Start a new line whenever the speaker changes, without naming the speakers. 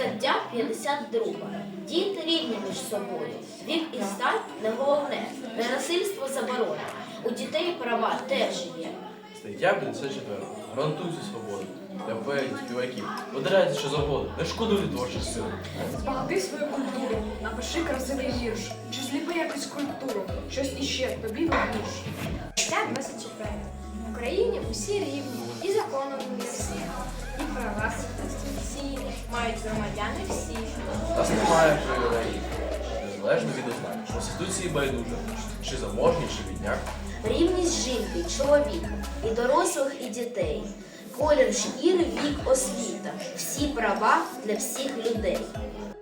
Стаття 52. Діти рівні між собою. Вік і стать не головне. Ненасильство заборонено. У дітей права теж є.
Стаття 54. Гарантуйте свободу. Для поетів, співаків. Видирайте, що завгодно. Не шкодуйте творчих сил.
Збагати свою культуру, напиши красивий вірш, чи зліпи якусь скульптуру, щось іще тобі вірш.
Стаття 24. В Україні усі рівні, і законом для всіх, і права конституційні мають громадяни всі.
Нас немає привілеїв. Незалежно від ознак. Конституції байдуже. Чи заможні, чи бідняк.
Рівність жінки й чоловіка, і дорослих, і дітей. Колір шкіри, вік, освіта. Всі права для всіх людей.